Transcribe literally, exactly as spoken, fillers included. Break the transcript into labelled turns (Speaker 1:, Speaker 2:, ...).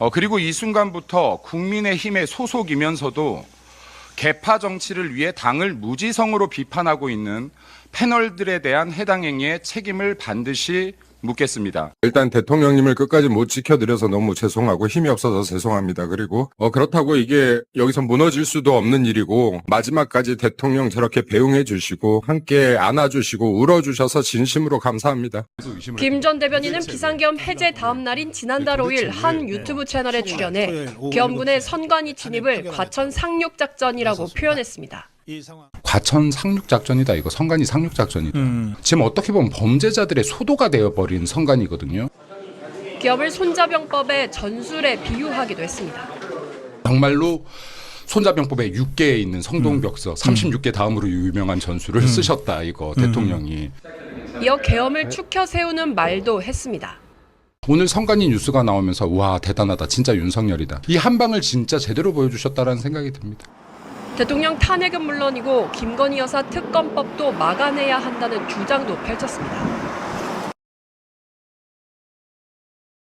Speaker 1: 어, 그리고 이 순간부터 국민의힘의 소속이면서도 개파 정치를 위해 당을 무지성으로 비판하고 있는 패널들에 대한 해당 행위의 책임을 반드시 묻겠습니다.
Speaker 2: 일단 대통령님을 끝까지 못 지켜드려서 너무 죄송하고 힘이 없어서 죄송합니다. 그리고 어, 그렇다고 이게 여기서 무너질 수도 없는 일이고 마지막까지 대통령 저렇게 배웅해 주시고 함께 안아주시고 울어주셔서 진심으로 감사합니다.
Speaker 3: 김 전 대변인은 비상계엄 해제 다음 날인 지난달 오 일 한 유튜브 채널에 출연해 계엄군의 선관위 진입을 과천 상륙 작전이라고 표현했습니다.
Speaker 4: 과천 상륙작전이다. 이거 선관위 상륙작전이다. 음. 지금 어떻게 보면 범죄자들의 소도가 되어버린 선관위거든요.
Speaker 3: 계엄을 손자병법의 전술에 비유하기도 했습니다.
Speaker 4: 정말로 손자병법에 육 개에 있는 성동벽서 음. 삼십육 개 다음으로 유명한 전술을 음. 쓰셨다. 이거 대통령이.
Speaker 3: 이어 계엄을 축혀 세우는 말도 했습니다.
Speaker 4: 오늘 선관위 뉴스가 나오면서 와 대단하다. 진짜 윤석열이다. 이 한 방을 진짜 제대로 보여주셨다라는 생각이 듭니다.
Speaker 3: 대통령 탄핵은 물론이고 김건희 여사 특검법도 막아내야 한다는 주장도 펼쳤습니다.